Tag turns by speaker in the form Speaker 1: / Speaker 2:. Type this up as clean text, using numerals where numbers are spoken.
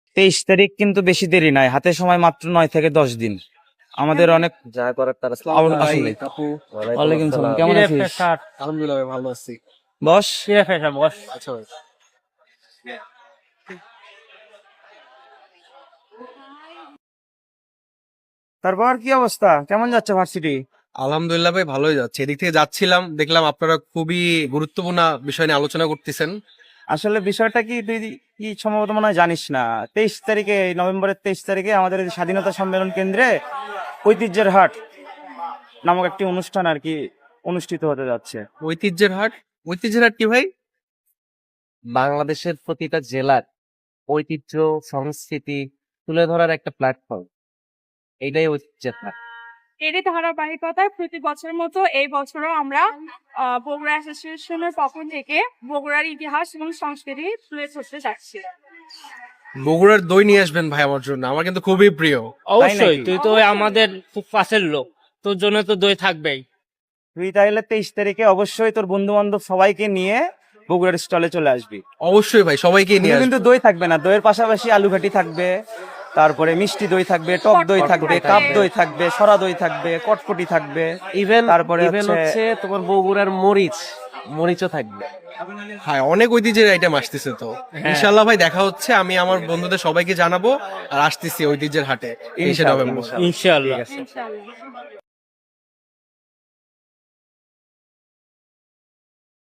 Speaker 1: 23 তারিখ কিন্তু বেশি দেরি নাই, হাতে সময় মাত্র 9 থেকে 10 দিন। আমাদের অনেক
Speaker 2: যা করার তারা
Speaker 1: আসলে। ওয়ালাইকুম সালাম, কেমন আছিস?
Speaker 2: আলহামদুলিল্লাহ ভাই, ভালো আছি।
Speaker 1: বস।
Speaker 2: আচ্ছা ভাই।
Speaker 1: তারপর কি অবস্থা, কেমন যাচ্ছে ভার্সিটি?
Speaker 2: আলহামদুলিল্লাহ ভাই, ভালোই যাচ্ছে। এদিক থেকে যাচ্ছিলাম, দেখলাম আপনারা খুবই গুরুত্বপূর্ণ বিষয় নিয়ে আলোচনা করতেছেন।
Speaker 1: আসলে বিষয়টা কি, তুই কি সম্ভবত মনে হয় জানিস না, 23 তারিখে, নভেম্বরের 23 তারিখে আমাদের এই স্বাধীনতা সম্মেলন কেন্দ্রে ঐতিহ্যের হাট নামক একটি অনুষ্ঠান আর কি অনুষ্ঠিত হতে যাচ্ছে।
Speaker 2: ঐতিহ্যের হাট? ঐতিহ্যের হাট কি ভাই?
Speaker 3: বাংলাদেশের প্রতিটা জেলার ঐতিহ্য সংস্কৃতি তুলে ধরার একটা প্ল্যাটফর্ম, এইটাই ঐতিহ্যের হাট।
Speaker 4: এরই ধারাবাহিকতায় প্রতি বছরের মতো এই বছরও আমরা বগুড়া অ্যাসোসিয়েশনের পক্ষ থেকে বগুড়ার ইতিহাস এবং সংস্কৃতি তুলে ধরতে যাচ্ছি।
Speaker 2: বগুড়ার দই নিয়ে আসবেন ভাই আমার জন্য, আমার কিন্তু খুবই প্রিয়।
Speaker 5: অবশ্যই,
Speaker 1: নাকি?
Speaker 5: তুই তো আমাদের খুব কাছের লোক, তোর জন্য তো দই থাকবেই।
Speaker 1: তুই তাহলে 23 তারিখে অবশ্যই তোর বন্ধু বান্ধব সবাইকে নিয়ে বগুড়ার স্টলে চলে আসবি।
Speaker 2: অবশ্যই ভাই, সবাইকে নিয়ে
Speaker 1: শুধু কিন্তু
Speaker 2: আসবেন।
Speaker 1: দই থাকবে না, দইয়ের পাশাপাশি আলু ঘাটি থাকবে, তারপরে মিষ্টি দই থাকবে, টক দই থাকবে, কাপ দই থাকবে, সরা দই থাকবে, কটকটি থাকবে।
Speaker 3: ইভেন
Speaker 1: তারপরে
Speaker 3: ইভেন
Speaker 1: হচ্ছে-
Speaker 3: হচ্ছে তোমার বগুড়ার মরিচও থাকবে।
Speaker 2: হ্যাঁ, অনেক ঐতিহ্যের আইটেম আসতেছে তো। ইনশাল্লাহ ভাই, দেখা হচ্ছে। আমি আমার বন্ধুদের সবাইকে জানাবো আর আসতেছি ঐতিহ্যের হাটে 23 নভেম্বর।
Speaker 5: ইনশাআল্লাহ।
Speaker 4: ইনশাআল্লাহ।